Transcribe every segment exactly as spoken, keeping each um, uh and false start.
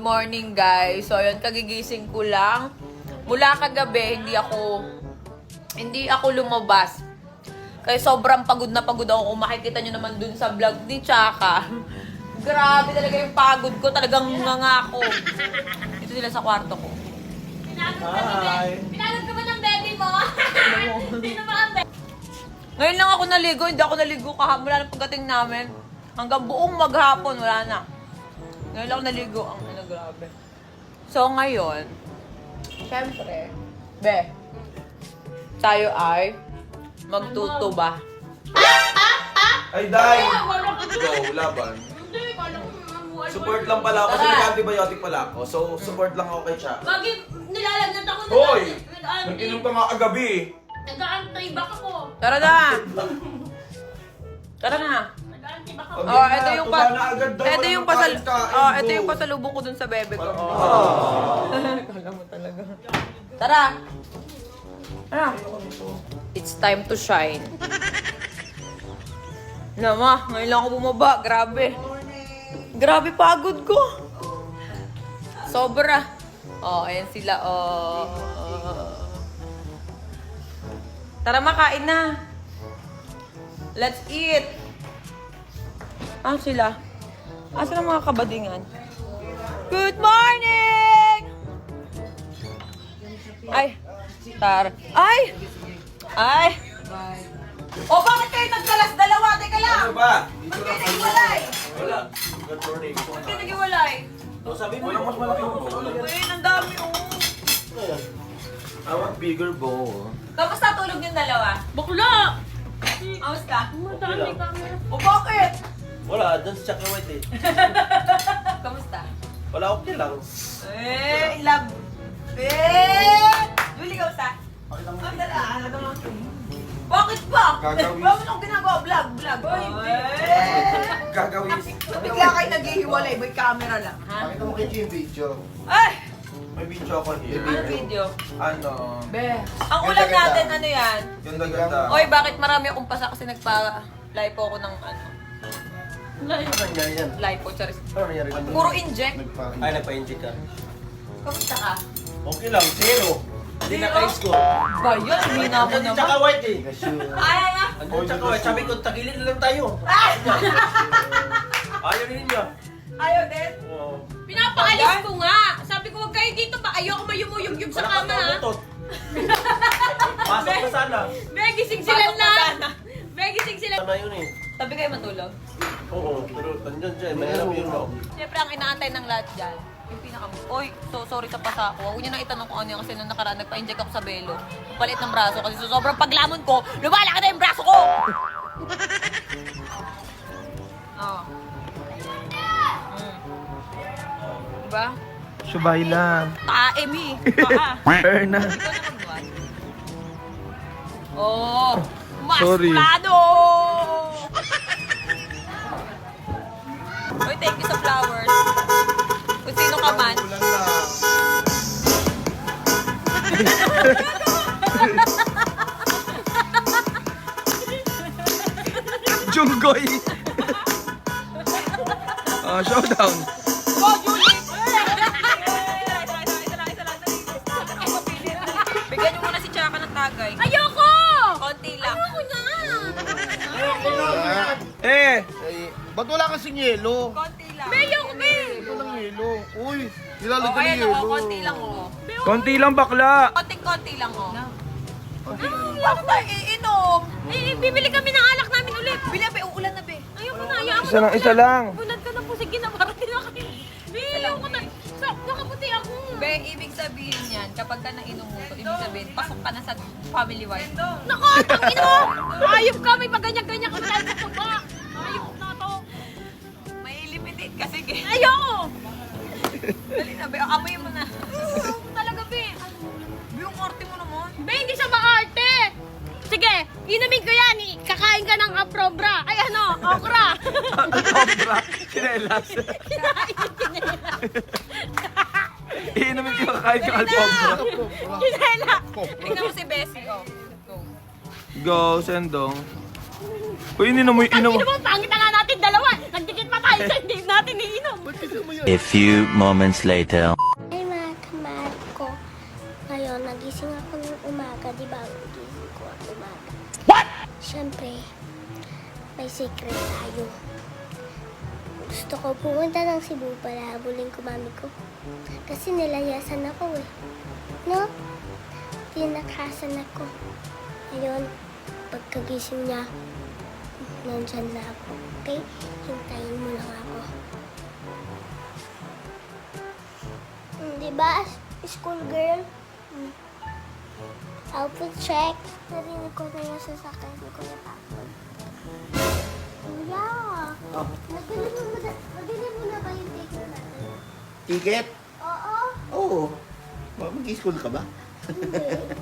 morning guys. So yun, kagigising ko lang. Mula kagabi, hindi ako hindi ako lumabas. Kaya sobrang pagod na pagod ako. Kung makikita nyo naman dun sa vlog ni Chaka. Grabe talaga yung pagod ko. Talagang ngangako. Ito sila sa kwarto ko. Hi! Pinagod ka ba ng baby mo? Sino ba ang baby? Ngayon lang ako naligo. Hindi ako naligo kahapon. Wala na pagdating namin. Hanggang buong maghapon, wala na. Ngayon lang ako naligo. Ang ano, grabe. So ngayon, syempre, be, tayo ay magtutuba. Ay, Day! Wala ka Go, laban. Hindi, kala ko mamuhay. Support lang pala ako kasi Tara. nag-antibiotic pala ako. So, support lang ako kay Chaka. Bakit nilalagnat ako? Hoy! Nag-anti. Nag-inom ka nga kagabi. Nag-anti-back ako. Tara na! Tara na! Nag-anti-back ako. Okay Oh, na, ito yung tuba pa na agad daw. ito Walang yung pasal kain-kain, Oh, ito go. yung pasalubong ko dun sa bebe ko. Parang- Oh. Kala mo talaga. Tara. Tara. It's time to shine. Nama, ngayon lang ako bumaba. Grabe. Grabe pagod ko. Sobra. Oh, ayan sila. Oh. Tara, makain na. Let's eat. Ah, sila. Asa ang mga kabadingan? Good morning! Ay, tar. Ay! Ay! O, bakit kayo nagkalas dalawa? Teka lang! Ano ba? Ba't kayo naghiwalay? Wala. Good morning. Ba't kayo naghiwalay? So, sabi mo yung mas malaki yung bowl. Uy, ang dami, oh. I want bigger bowl. Kamusta tulog yung dalawa? Bakla! Kamusta? Madami camera. O, bakit? Wala, dyan sa Chaka White eh. Kamusta? Wala, okay lang. Eh, in love. Eh! Julie, kamusta? Ang dala, ano naman? Bakit ba? Gagawin. Bakit ako ginagawa? Vlog, vlog. Eh! Gagawin. Bigla kayo naghihiwalay, may camera lang, ha? Pakita mo kay Jim video. Ay! May video ako here. Ano video? Ano? Be. Ang ulam Ganda-ganda. natin, ano yan? Ganda-ganda. Oy, bakit marami akong pasa kasi nagpa-lipo ako ng ano? Ano nangyari yan? Lipo, charis. Ano nangyari yan? Puro inject. Nagpa- Ay, nagpa-inject ka. Kamusta ka? Okay lang, zero. Hindi Zero? naka-score. Ba yun? Hina mo Andun Chaka naman. White eh. Gasyo. Ay, ay, ay. Andun Chaka White. Sabi ko, tagilid na lang tayo. Ayaw rin niya. Ayaw din. Oo. Pinapaalis ko nga. Sabi ko, huwag kayo dito ba? Ayoko mayumuyugyug sa Wala kama, kang ha? tabutot. Pasok na sana. Be, gising sila Pasok na na. sana. Be, gising sila. Sana yun eh. Tabi kayo matulog. Oo, pero tandyan siya. Mahirap yun no. Siyempre, ang inaantay ng lahat dyan, yung pinaka... Oy, so sorry sa pasa ko. Huwag niyo na itanong kung ano yan kasi nung nakaraan, nagpa-inject ako sa belo. Ang palit ng braso kasi so sobrang paglamon ko, lumalaki na yung braso ko! Oh. Mm. Diba? Subay lang. Tae, mi. Paa. Fair na. Ikaw na magbuhat. Oh! Sorry. Maskulado! Uy, thank you sa flowers. Kung sino ka man. Ulan lang. Junggoy. Ah, showdown. Go, Julie! Bigyan niyo muna si Chaka ng tagay. Ayoko! Konti lang. Ayoko na. Eh, Ay, ba't wala kasing yelo? Konti lang. Be, ayoko, be. Ito ng yelo. Uy, Oh, nilalagyan ng ayan yelo. o, konti lang o. konti lang bakla. Konti-konti lang o. Bakit tayo iinom? Eh, bibili kami ng alak namin ulit. Bila, be, uulan na, be. Ayoko na, ayoko Isa lang, isa lang. Bunad ka na po, sige na, parating na kayo. Be, ayoko na. Sa, nakaputi ako. Be, ibig sabihin yan, kapag ka nainom mo to, ibig sabihin, pasok ka na sa family wife. Nako, tangin mo! Ayop ka, may paganyan-ganyan ka tayo sa tuba. Ayop na to. May limited kasi, ge. Ayoko! Dali na, be, amoy mo na. Talaga, be. Be, yung arte mo naman. Be, hindi siya maarte. Sige, inumin ko yan. eh. Kakain ka ng aprobra. Ay, ano, okra. Cobra. Sinelas. Iinumin ko kakain ka alpobra. Kinela. Tingnan mo si Bessie, oh. Go. Go, sendong. Uy, ininom mo, Ang inom mo. ino mo, pangit na nga natin dalawa. Nagdikit pa tayo sa hindi natin iinom. A few moments later. Ay, mga kamahal ko. Ngayon, nagising ako ng umaga. Di ba? Nagising ko ang umaga. What? Siyempre, may secret tayo. Gusto ko pumunta ng Cebu para habulin ko mami ko. Kasi nilayasan ako eh. No? Tinakasan ako. Ngayon, pagkagising niya, nandyan na ako. Okay? Hintayin mo lang ako. Hmm, di ba? School girl? Hmm. Outfit check. Narinig ko na yung sasakyan ni Kuya Papoy. Kuya! Oh. Nabili mo na, nabili mo na ba yung ticket natin? Ticket? Oo. Oo. Oh. Mag-school ka ba? Hindi.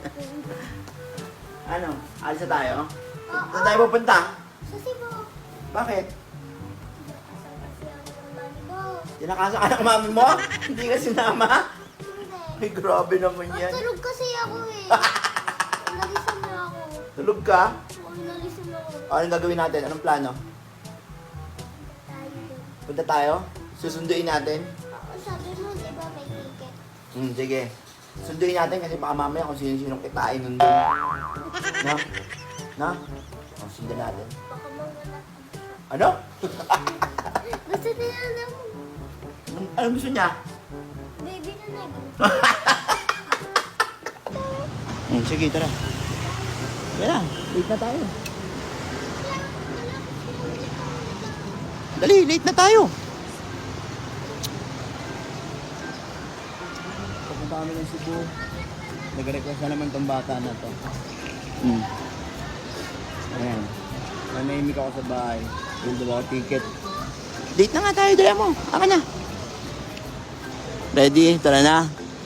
Ano? Alis na tayo? Oo. Saan tayo pupunta? Sa Cebu. Bakit? Kasama kasi ako ng mami ko. Tinakasa ka ng mami mo? Hindi ka sinama? Hindi. Ay, grabe naman yan. Matulog kasi ako eh. Nalisan niya ako. Tulog ka? Oo, nalisan ako. O, anong gagawin natin? Anong plano? Tayo din. Punta tayo? Susunduin natin? Oo, sabi mo, di ba may ticket? Hmm, sige. Sunduin natin kasi baka mamaya kung sino-sinong kitain nun doon. Na? Na? O, sundan natin. Baka mawala. Ano? Basta na lang mo. Ano gusto niya? Baby na nag. Hmm, sige, tara. Tara na, late na tayo. Dali, late na tayo. Pupunta kami ng Cebu. Nag-request na naman tong bata na to. Hmm. Ayan. Nanahimik ako sa bahay. Yung dalawa ticket. Date na nga tayo, dala mo. Aka na. Ready? Tara na.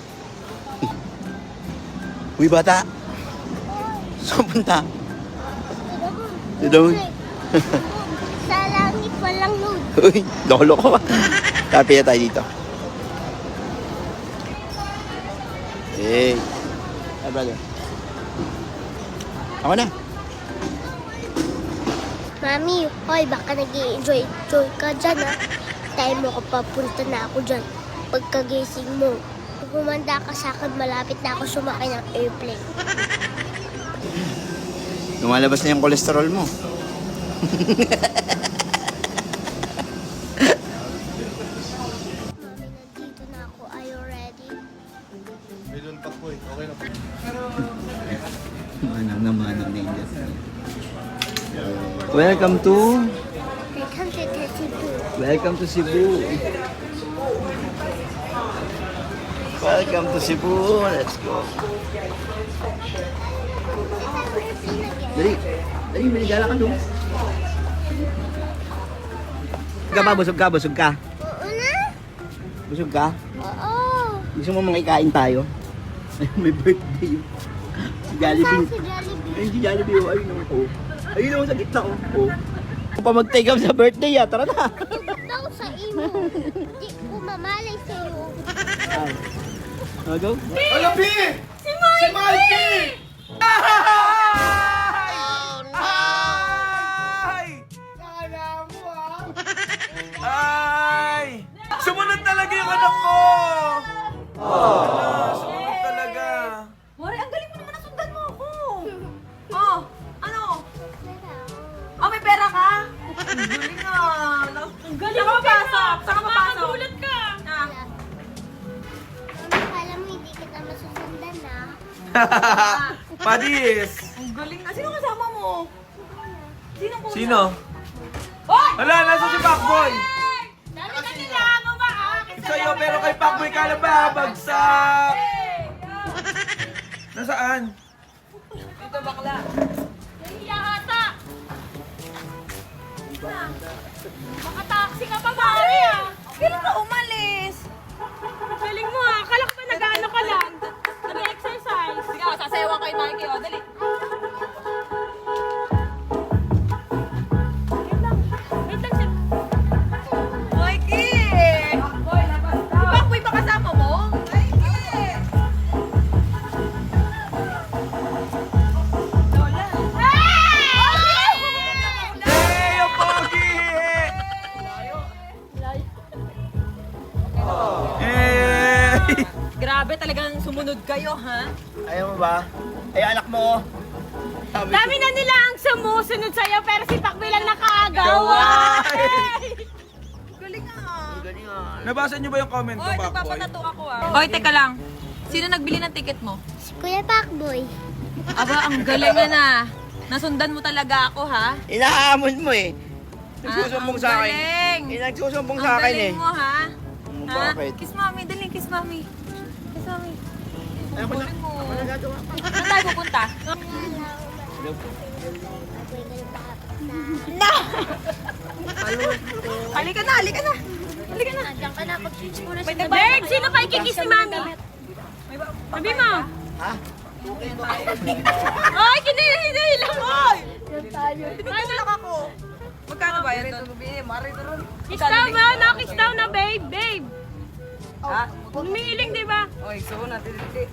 Uy, bata. Saan punta? Doon. Sa langit walang load. Uy, lolo ko ba? Kapi na tayo dito. Hey. Hey, brother. Ako na. Mami, hoy, baka nag-i-enjoy enjoy ka dyan, ha? Time mo ko papunta na ako dyan. Pagkagising mo, kung humanda ka sa akin, malapit na ako sumakay ng airplane. Lumalabas na yung kolesterol mo. Mami, nandito na ako. Are you ready? Manang na manang na Indian. Welcome to... Welcome to the Cebu. Welcome to Cebu. Welcome to Cebu. Let's go. Dali. Dali, maligala ka doon. Busog ka ba? Busog ka? Busog ka? Oo na? Busog ka? Oo. Gusto mo makikain tayo? May birthday yun. Si Jollibee. Saan si Jollibee? Ayun si Jollibee. Oh. Ayun naman. Oh. Ayun naman sa gitna. Oh. Oh. Kung pa mag-take up sa birthday ah. Tara na. Daw sa imo. Di ko mamalay sa'yo. Ay. Oh, go. Ano, B? Si Mikey! Si Mikey! Ay! Kala mo ah. Ay! Sumunod talaga yung anak ko! Ala, sumunod talaga. Mari, ang galing mo naman nasundan mo ako. Oh, ano? Ah, may pera ka? Ang galing ah. Ang galing Saan ka mo, papasok? Saan ka papasok? Nakakagulat ka. Ah. Mami, kala mo hindi kita masusundan, ha? Padis! Ang galing ah. Sino kasama mo? Sino kuya? Sino? Hoy! Hala, nasa si Pacboy! Dami ka nila mo ba? Ah, Sa'yo, pero kay Pacboy ka na babagsak! Nasaan? Dito bakla. nahiya ata. Makataksi ka pa, Mari, ah. Kailan ka umalis? Galing mo, ah. Akala ko ba nag-ano ka lang? Nag-exercise. Sige, oh, sasayawan kay Mikey. Oh, dali. Wait lang, sir. Mikey! Si Pacboy ba kasama mo? Lola. Hey! Grabe, talagang sumunod kayo, ha? Ayaw mo ba? Ay, anak mo. Sabi Dami na nila ang sumusunod sa'yo, pero si Pakboy lang nakagawa. Gawa. Galing nga. Galing ah. Nabasa niyo ba yung comment ko, Oy, Pakboy? nagpapatato ako, ah. Oy, teka lang. Sino nagbili ng ticket mo? Si Kuya Pakboy. Aba, ang galing na na. Nasundan mo talaga ako, ha? Inahamon mo eh. Nagsusumbong Ah, sa ang akin. galing. Eh, nagsusumbong Ang sa akin eh. galing mo, ha? Hmm, Ha? bakit? Kiss mami, dali, kiss mami. Kiss mami. Ay, ako na. Galing mo. Ako nagagawa pa. Saan tayo pupunta? Hello po. Halika na, halika na. Halika na. Diyan ka na, pag-switch muna May siya. nagbayad Bert, sino pa ikikiss ni Mami? Sabi mo. Ha? Ay, kinihintay lang mo. Tinutulak ako. Magkano ba yan doon? Kiss daw ba? Nakiss daw na, babe, babe. Ha? Umiiling, di ba? Oy, so natin.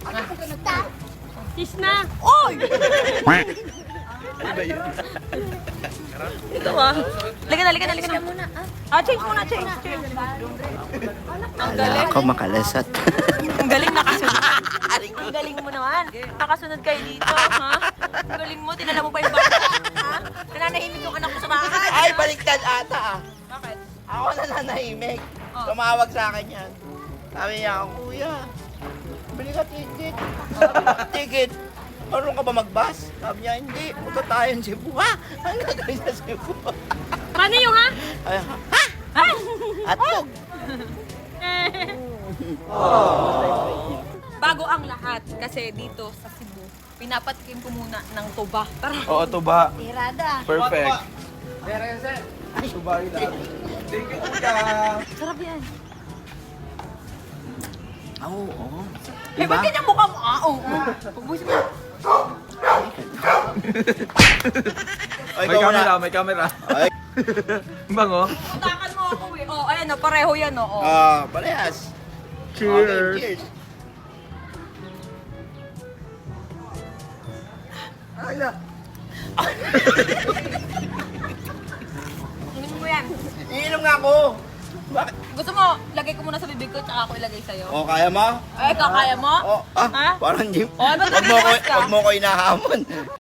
Kiss na. Oy! Ano ba yun? Ito ah. Halika na, halika na, halika na. Muna, ah. Ah, change muna, change, change. Ang galing. Ako makalasat. Ang galing nakasunod. Ang galing mo naman. Nakasunod kayo dito, ha? Ang galing mo, tinala mo pa yung bata, ha? Nananahimik yung anak mo sa bahay. Ay, baliktad ata ah. Bakit? Ako na nanahimik. Oh. Tumawag sa akin yan. Sabi niya, kuya, bili ka ticket. Sabi ko, ticket. Marunong ka ba mag-bus? Sabi niya, hindi. Punta tayo ng Cebu. Ha? Ang gagawin sa Cebu? Paano yung ha? Ay, ha? Ha? Atog. Bago ang lahat, kasi dito sa Cebu, pinapatikim ko muna ng tuba. Tara. Oo, to ba? Tirada. Perfect. Sarap yan. Oo, oo. Eh, ba't ganyan mukha mo? Ah, oo. Pagbusin mo. Ay, May ikaw camera, muna. may camera. Ay, Bango. Utakan mo ako eh. Oh, ayan o, pareho yan o. Oh. ah, parehas. Cheers. Okay, cheers. Ay, na. Inom mo yan. Iinom nga ako. Bakit? Gusto mo, lagay ko muna sa bibig ko, tsaka ako ilagay sa'yo. O, kaya mo? Ay, kakaya mo? Oh, ah, Ha? parang hindi. Oh, ba't Wag mo ko, naglakas ka? wag mo ko inahamon.